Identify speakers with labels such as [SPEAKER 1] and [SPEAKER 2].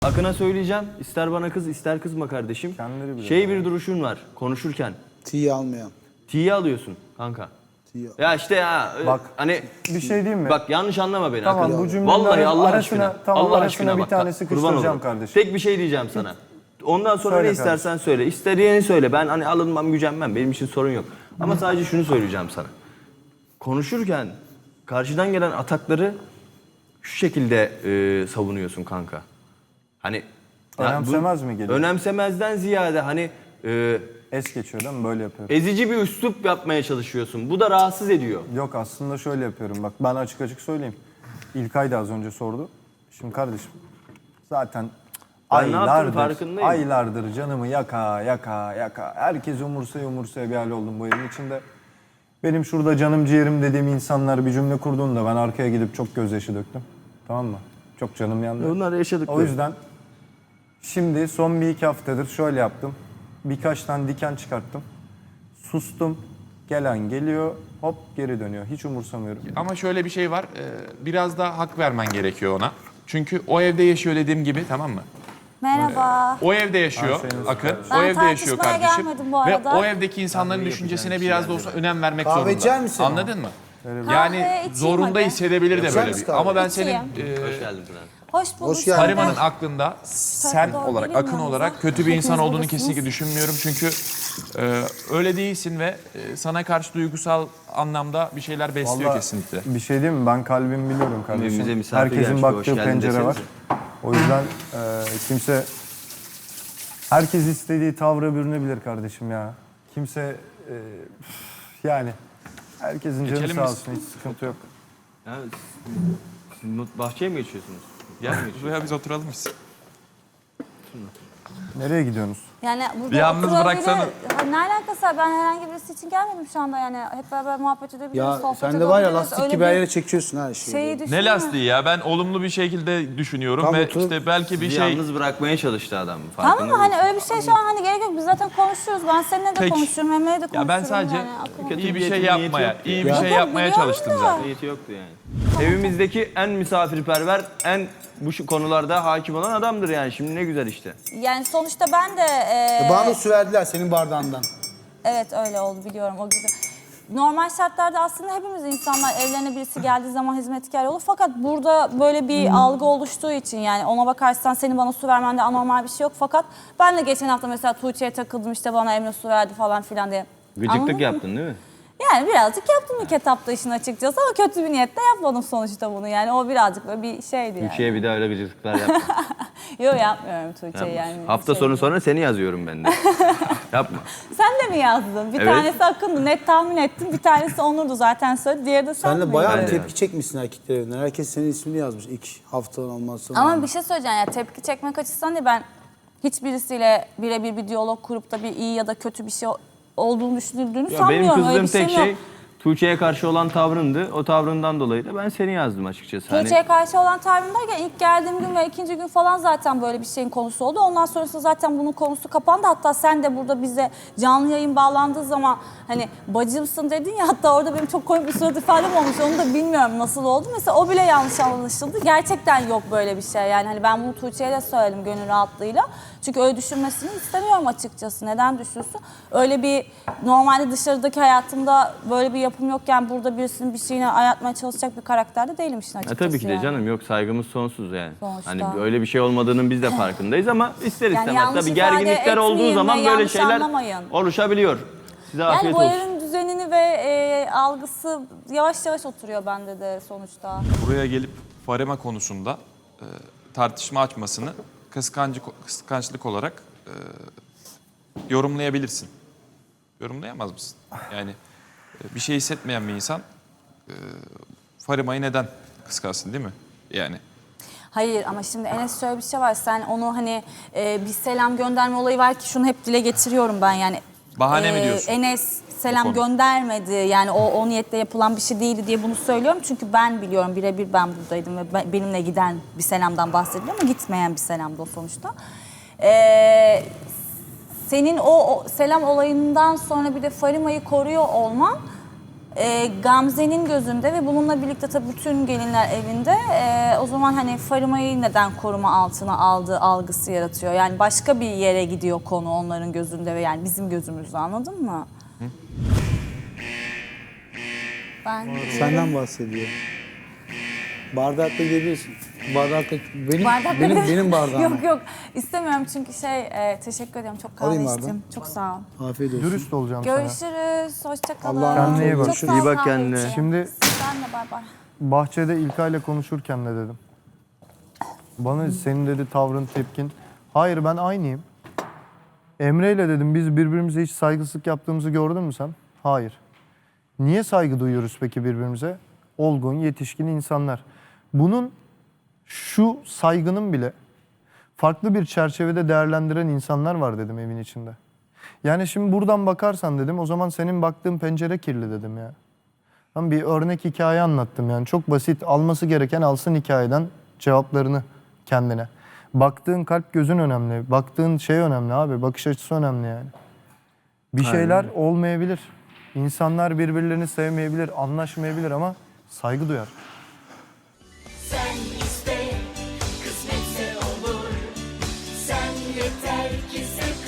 [SPEAKER 1] Akın'a söyleyeceğim. İster bana kız ister kızma kardeşim. Bir duruşun var konuşurken.
[SPEAKER 2] T'yi almayan.
[SPEAKER 1] T'yi alıyorsun kanka.
[SPEAKER 2] T'yi
[SPEAKER 1] Ya işte ya
[SPEAKER 3] Bak,
[SPEAKER 1] hani
[SPEAKER 3] bir şey diyeyim mi?
[SPEAKER 1] bak yanlış anlama beni
[SPEAKER 3] Tamam,
[SPEAKER 1] Akın.
[SPEAKER 3] bu cümlenin
[SPEAKER 1] Vallahi Allah
[SPEAKER 3] arasına-
[SPEAKER 1] aşkına.
[SPEAKER 3] tamam,
[SPEAKER 1] Allah
[SPEAKER 3] arasına
[SPEAKER 1] aşkına
[SPEAKER 3] bir
[SPEAKER 1] bak,
[SPEAKER 3] tane
[SPEAKER 1] kurban
[SPEAKER 3] sıkıştıracağım
[SPEAKER 1] olurum.
[SPEAKER 3] kardeşim.
[SPEAKER 1] Tek bir şey diyeceğim sana. Ondan sonra
[SPEAKER 3] Söyle
[SPEAKER 1] ne istersen söyle. İstediğini söyle. Ben hani alınmam, gücenmem. Benim için sorun yok. Ama sadece şunu söyleyeceğim sana. Konuşurken karşıdan gelen atakları şu şekilde savunuyorsun kanka. Hani
[SPEAKER 3] Önemsemez mi geliyor?
[SPEAKER 1] Önemsemezden ziyade hani
[SPEAKER 3] Es geçiyor değil mi? Böyle yapıyorum.
[SPEAKER 1] ezici bir üslup yapmaya çalışıyorsun. Bu da rahatsız ediyor.
[SPEAKER 3] Yok, aslında şöyle yapıyorum. Bak, ben açık açık söyleyeyim. İlkay da az önce sordu. Şimdi kardeşim zaten
[SPEAKER 1] Ben ne yaptığımın farkındayım.
[SPEAKER 3] aylardır canımı yaka. Herkes umursaya bir hal oldum bu evin içinde. Benim şurada canım ciğerim dediğim insanlar bir cümle kurduğunda ben arkaya gidip çok gözyaşı döktüm. Tamam mı? Çok canım yandı.
[SPEAKER 1] Bunları yaşadık.
[SPEAKER 3] O yüzden şimdi son bir iki haftadır şöyle yaptım. Birkaç tane diken çıkarttım. Sustum. Gelen geliyor. Hop geri dönüyor. Hiç umursamıyorum.
[SPEAKER 4] Ama şöyle bir şey var. Biraz daha hak vermen gerekiyor ona. Çünkü o evde yaşıyor dediğim gibi, tamam mı?
[SPEAKER 5] Merhaba.
[SPEAKER 4] O evde yaşıyor Akın.
[SPEAKER 5] Ben
[SPEAKER 4] O evde yaşıyor
[SPEAKER 5] tartışmaya
[SPEAKER 4] kardeşim.
[SPEAKER 5] gelmedim bu
[SPEAKER 4] Ve
[SPEAKER 5] arada.
[SPEAKER 4] o evdeki insanların düşüncesine biraz da olsa önem vermek
[SPEAKER 2] Kahve içer
[SPEAKER 4] zorunda.
[SPEAKER 2] misin?
[SPEAKER 4] Anladın mı?
[SPEAKER 5] Kahve
[SPEAKER 4] Yani
[SPEAKER 5] içeyim
[SPEAKER 4] zorunda
[SPEAKER 5] hadi.
[SPEAKER 4] hissedebilir de
[SPEAKER 2] Yapacak
[SPEAKER 4] böyle
[SPEAKER 2] mısın
[SPEAKER 4] bir.
[SPEAKER 2] kahve?
[SPEAKER 4] Ama ben
[SPEAKER 5] İçeyim.
[SPEAKER 4] senin
[SPEAKER 1] Hoş geldin Pınar.
[SPEAKER 5] Hoş bulduk.
[SPEAKER 2] Hoş geldin.
[SPEAKER 4] Fariman'ın aklında sen
[SPEAKER 5] Doğru,
[SPEAKER 4] olarak,
[SPEAKER 5] benim
[SPEAKER 4] Akın
[SPEAKER 5] yanımda.
[SPEAKER 4] olarak kötü bir insan
[SPEAKER 5] Hepiniz
[SPEAKER 4] olduğunu
[SPEAKER 5] buradasınız.
[SPEAKER 4] kesinlikle düşünmüyorum. Çünkü öyle değilsin ve sana karşı duygusal anlamda bir şeyler besliyor
[SPEAKER 3] Vallahi
[SPEAKER 4] kesinlikle.
[SPEAKER 3] bir şey diyeyim mi? Ben kalbimi biliyorum kardeşim.
[SPEAKER 1] Evimize misafir
[SPEAKER 3] Herkesin
[SPEAKER 1] gelmiş,
[SPEAKER 3] baktığı
[SPEAKER 1] hoş geldin
[SPEAKER 3] pencere var.
[SPEAKER 1] desenize.
[SPEAKER 3] O yüzden kimse... Herkes istediği tavra bürünebilir kardeşim ya. Kimse... yani... Herkesin canı
[SPEAKER 4] Geçelim
[SPEAKER 3] sağ
[SPEAKER 4] biz.
[SPEAKER 3] olsun. Hiç sıkıntı yok.
[SPEAKER 1] Ya, siz bahçeye mi geçiyorsunuz? Yer mi geçiyorsunuz?
[SPEAKER 4] Buraya biz oturalım biz.
[SPEAKER 3] Nereye gidiyorsunuz?
[SPEAKER 5] Yani burada
[SPEAKER 4] Yalnız
[SPEAKER 5] oturabilir-
[SPEAKER 4] bıraksana.
[SPEAKER 5] Ha, ne alakası var? Ben herhangi birisi için gelmedim şu anda yani. Hep beraber muhabbet edebiliriz,
[SPEAKER 2] Ya
[SPEAKER 5] sohbet
[SPEAKER 2] sen de var ya
[SPEAKER 5] edebiliriz.
[SPEAKER 2] lastik
[SPEAKER 5] Öyle
[SPEAKER 2] gibi her
[SPEAKER 5] bir
[SPEAKER 2] yere çekiyorsun her şeyi.
[SPEAKER 5] şeyi
[SPEAKER 4] Ne
[SPEAKER 5] düşünme.
[SPEAKER 4] lastiği ya? Ben olumlu bir şekilde düşünüyorum
[SPEAKER 2] Tam
[SPEAKER 4] ve
[SPEAKER 2] otur.
[SPEAKER 4] işte belki bir
[SPEAKER 1] Bizi
[SPEAKER 4] şey...
[SPEAKER 1] yalnız bırakmaya çalıştı adam.
[SPEAKER 5] Tamam
[SPEAKER 1] Farkında
[SPEAKER 5] mı? Hani
[SPEAKER 1] mısın?
[SPEAKER 5] öyle bir şey şu an hani gerek yok. Biz zaten konuşuyoruz. Ben seninle de
[SPEAKER 4] Peki.
[SPEAKER 5] konuşuyorum. Emre'yle de konuşuyorum.
[SPEAKER 4] Ya ben sadece
[SPEAKER 5] yani. Aklıma-
[SPEAKER 4] iyi bir
[SPEAKER 1] niyetin,
[SPEAKER 4] şey
[SPEAKER 1] niyeti
[SPEAKER 4] yapmaya,
[SPEAKER 1] yoktu
[SPEAKER 4] iyi
[SPEAKER 1] ya.
[SPEAKER 4] bir şey
[SPEAKER 5] Yok,
[SPEAKER 4] yapmaya
[SPEAKER 5] biliyorum
[SPEAKER 4] çalıştım
[SPEAKER 5] da.
[SPEAKER 4] zaten.
[SPEAKER 1] Niyeti yoktu yani. Evimizdeki en misafirperver, en bu konularda hakim olan adamdır yani. Şimdi ne güzel işte.
[SPEAKER 5] Yani sonuçta ben de...
[SPEAKER 2] Bana da su verdiler senin bardağından.
[SPEAKER 5] Evet öyle oldu biliyorum o gibi. Normal şartlarda aslında hepimiz insanlar evlerine birisi geldiği zaman hizmetkar olur. Fakat burada böyle bir algı oluştuğu için yani ona bakarsan senin bana su vermende anormal bir şey yok. Fakat ben de geçen hafta mesela Tuğçe'ye takıldım işte bana Emre su verdi falan filan diye. Anladın
[SPEAKER 1] Gıcıklık
[SPEAKER 5] mı?
[SPEAKER 1] yaptın değil mi?
[SPEAKER 5] Yani birazcık yaptım ilk etapta işin açıkçası ama kötü bir niyetle yapmadım sonuçta bunu yani o birazcık böyle bir şeydi yani.
[SPEAKER 1] Tuğçe'ye bir daha öyle gıcıklıklar yapma.
[SPEAKER 5] Yok yapmıyorum Tuğçe'ye yani.
[SPEAKER 1] Hafta
[SPEAKER 5] şey
[SPEAKER 1] sonu
[SPEAKER 5] değil.
[SPEAKER 1] sonra seni yazıyorum ben de. Yapma.
[SPEAKER 5] Sen de mi yazdın? Bir
[SPEAKER 1] Evet.
[SPEAKER 5] tanesi Akın'dı net tahmin ettim. Bir tanesi Onur'du zaten söyledi. Diğeri de sen
[SPEAKER 2] Sen de
[SPEAKER 5] miydin?
[SPEAKER 2] bayağı
[SPEAKER 1] Ben de
[SPEAKER 2] tepki çekmişsin erkekler evinden. Herkes senin ismini yazmış ilk haftadan olmazsa.
[SPEAKER 5] Ama bir şey söyleyeceğim ya tepki çekmek açısından değil ben hiçbirisiyle birebir bir diyalog kurup da bir iyi ya da kötü bir şey olduğunu düşünüldüğünü
[SPEAKER 1] Ya benim
[SPEAKER 5] sanmıyorum. Öyle
[SPEAKER 1] kızdığım
[SPEAKER 5] bir
[SPEAKER 1] tek
[SPEAKER 5] şeyim
[SPEAKER 1] şey
[SPEAKER 5] yok.
[SPEAKER 1] Tuğçe'ye karşı olan tavrındı. O tavrından dolayı da ben seni yazdım açıkçası.
[SPEAKER 5] Tuğçe'ye karşı olan tavrım derken ilk geldiğim gün ve ikinci gün falan zaten böyle bir şeyin konusu oldu. Ondan sonrasında zaten bunun konusu kapandı. Hatta sen de burada bize canlı yayın bağlandığı zaman hani bacımsın dedin ya hatta orada benim çok komik bir surat ifadem olmuş. Onu da bilmiyorum nasıl oldu. Mesela o bile yanlış anlaşıldı. Gerçekten yok böyle bir şey. Yani hani ben bunu Tuğçe'ye de söyledim gönül rahatlığıyla. Çünkü öyle düşünmesini istemiyorum açıkçası. Neden düşünsün? Öyle bir normalde dışarıdaki hayatımda böyle bir yapım yokken burada birisinin bir şeyine ayartmaya çalışacak bir karakterde değilim işin açıkçası.
[SPEAKER 1] Tabii ki de
[SPEAKER 5] yani.
[SPEAKER 1] canım yok saygımız sonsuz yani.
[SPEAKER 5] Sonuçta.
[SPEAKER 1] Hani öyle bir şey olmadığının biz de farkındayız ama ister
[SPEAKER 5] Yani
[SPEAKER 1] istemez
[SPEAKER 5] yanlış
[SPEAKER 1] tabii
[SPEAKER 5] ifade
[SPEAKER 1] gerginlikler olduğu
[SPEAKER 5] etmeyin
[SPEAKER 1] zaman
[SPEAKER 5] ve
[SPEAKER 1] böyle
[SPEAKER 5] yanlış
[SPEAKER 1] şeyler
[SPEAKER 5] anlamayın.
[SPEAKER 1] oluşabiliyor. Size
[SPEAKER 5] Yani
[SPEAKER 1] afiyet
[SPEAKER 5] bu
[SPEAKER 1] olsun.
[SPEAKER 5] evin düzenini ve algısı yavaş yavaş oturuyor bende de sonuçta.
[SPEAKER 4] Buraya gelip Farema konusunda tartışma açmasını kıskançlık olarak yorumlayabilirsin. Yorumlayamaz mısın? Yani bir şey hissetmeyen bir insan Farima'yı neden kıskansın değil mi? Yani
[SPEAKER 5] Hayır ama şimdi Enes şöyle bir şey var. Sen onu hani bir selam gönderme olayı var ki şunu hep dile getiriyorum ben yani.
[SPEAKER 4] Bahane mi diyorsun?
[SPEAKER 5] Enes selam
[SPEAKER 4] konu?
[SPEAKER 5] göndermedi. Yani o niyetle yapılan bir şey değildi diye bunu söylüyorum. Çünkü ben biliyorum birebir ben buradaydım ve benimle giden bir selamdan bahsediyorum ama gitmeyen bir selamdı o sonuçta. Senin o selam olayından sonra bir de Farima'yı koruyor olman Gamze'nin gözünde ve bununla birlikte tabii bütün gelinler evinde o zaman hani Farima'yı neden koruma altına aldığı algısı yaratıyor. Yani başka bir yere gidiyor konu onların gözünde ve yani bizim gözümüzde, anladın mı? Ben
[SPEAKER 2] Senden bahsediyor. Bardakla gidebilirsin. Bardakla benim bardağım.
[SPEAKER 5] Yok yok istemiyorum çünkü teşekkür ederim, çok kahve
[SPEAKER 2] Alayım
[SPEAKER 5] içtim.
[SPEAKER 2] bardağı.
[SPEAKER 5] Çok sağ ol.
[SPEAKER 2] Afiyet olsun.
[SPEAKER 3] Dürüst olacağım sana.
[SPEAKER 5] Görüşürüz. Hoşça kalın.
[SPEAKER 2] Allah'a
[SPEAKER 3] emanet Kendine iyi bak.
[SPEAKER 5] Çok sağ ol
[SPEAKER 1] İyi bak
[SPEAKER 5] kahve
[SPEAKER 1] kendine.
[SPEAKER 5] için.
[SPEAKER 3] Şimdi
[SPEAKER 5] Sen de bay bay.
[SPEAKER 3] bahçede İlkay'la konuşurken ne dedim? Bana senin dedi tavrın, tepkin. Hayır, ben aynıyım. Emre'yle dedim biz birbirimize hiç saygısızlık yaptığımızı gördün mü sen? Hayır. Niye saygı duyuyoruz peki birbirimize? Olgun, yetişkin insanlar. Bunun, şu saygının bile farklı bir çerçevede değerlendiren insanlar var dedim evin içinde. Yani şimdi buradan bakarsan dedim, o zaman senin baktığın pencere kirli dedim ya. Ben bir örnek hikaye anlattım yani. Çok basit, alması gereken alsın hikayeden cevaplarını kendine. Baktığın kalp gözün önemli. Baktığın şey önemli abi. Bakış açısı önemli yani. Bir şeyler olmayabilir. İnsanlar birbirlerini sevmeyebilir, anlaşmayabilir ama saygı duyar.
[SPEAKER 6] Sen iste, kısmetse olur. Sen yeter ki sev.